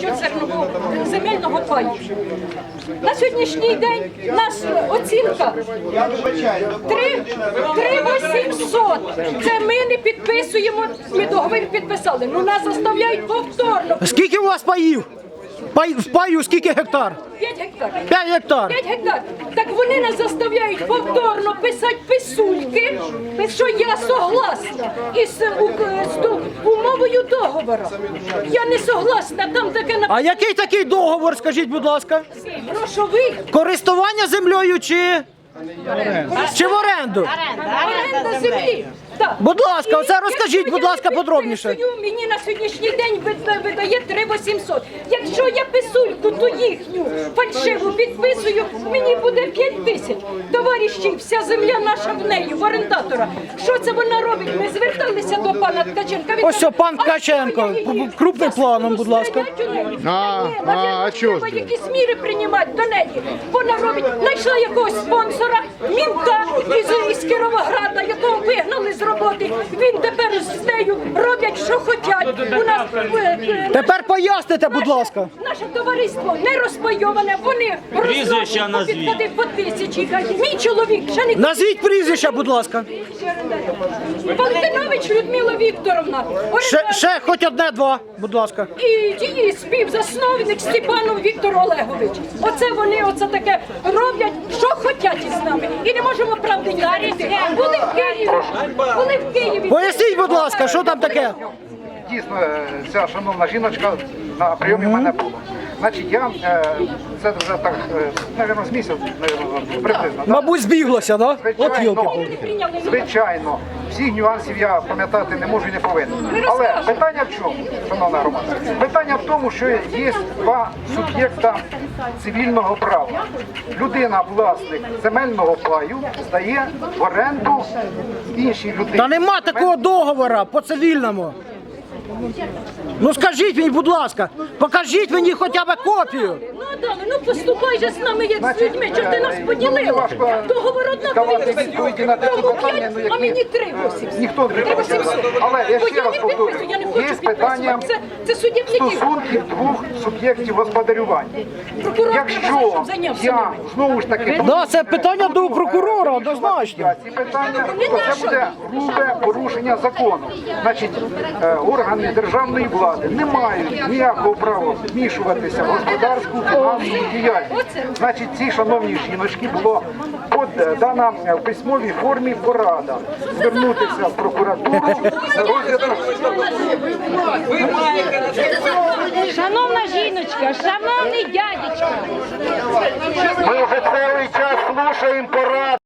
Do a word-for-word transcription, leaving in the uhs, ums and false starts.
насчет зернового земельного паю. На сьогоднішній день наша оцінка три вісімсот. Це ми не підписуємо, ми договір підписали. Ну нас заставляють повторно. Скільки у вас паїв? Пай, в паю скільки гектар? п'ять гектарів. п'ять гектар. п'ять гектар. Так вони нас заставляють повторно писати писульки, що я согласна із у- з умовою договору. Я не согласна, там таке А написано. який такий договор, скажіть, будь ласка? Грошовий. Користування землею чи, чи в оренду? Оренда землі. Так. Будь ласка, оце І розкажіть, якщо будь я ласка, не подробніше. підписую, мені на сьогоднішній день вида- видає три вісімсот. Якщо я писульку ту їхню фальшиву підписую, мені буде п'ять тисяч. Товариші, вся земля наша в неї, в орендатора. Що це вона робить? Ми зверталися до пана Ткаченка. Він Ось каже, о, пан «А Ткаченко, що я її? крупним Я планом, буду будь ласка». стріляти у неї. А, Ні, а, навірно, а чого ж треба ти? якісь міри приймати до неї. Вона робить, знайшла якогось спонсора, мінта із, із Кіровограда, якого вигнали з роботи. Він тепер з нею роблять, що хочуть. У нас е, е, Тепер поясните, будь ласка. наше товариство не розпайоване, вони Прізвища назвіть. підходи по тисячі. Мій чоловік ще не Назвіть прізвища, будь ласка. Валентинович Людмила Вікторовна. Ще, орендар- ще хоч одне-два, будь ласка. І її співзасновник Степанов Віктор Олегович. Оце вони оце таке роблять, що хочуть із нами. І не можемо правди говорити. Були в Києві. Були в Києві. Поясніть, будь ласка, що там таке? Дійсно, ця шановна жіночка на прийомі в мене була. Значить, я, е, це вже так, е, мабуть, з місяць, мабуть, приблизно. да? Мабуть, збіглося, да? От Звичайно, йолки. звичайно, всіх нюансів я пам'ятати не можу і не повинен. Але питання в чому, шановна громада? Питання в тому, що є два суб'єкта цивільного права. Людина, власник земельного паю, здає в оренду іншій людині. Та нема такого договора по цивільному. Ну скажіть мені, будь ласка, покажіть мені хоча б копію. Ну, Адаме, ну поступай же з нами як з Значить, людьми, що ти нас е, поділила. ну, важко Договор однаковий. давати відповіді на такі Тому питання, п'ять, ну, які а мені три вісімсот. ніхто не Три підписує. вісімсот. Але я Бо ще раз не повторюю, підписую, я не є хочу питання підписувати. Це, це суддівників. стосунків двох суб'єктів господарювання. Прокурор не Якщо щоб зайнявся я ними. знову ж таки Да, це питання до прокурора, однозначно. ці питання, то це буде грубе порушення закону. Значить, е, органи державної влади не мають ніякого права вмішуватися в господарську фінансову діяльність. Значить, цій шановній жіночці було под- дана в письмовій формі порада звернутися в прокуратуру за розглядом. Шановна жіночка, шановний дядечко. Ми вже цілий час слухаємо пораду.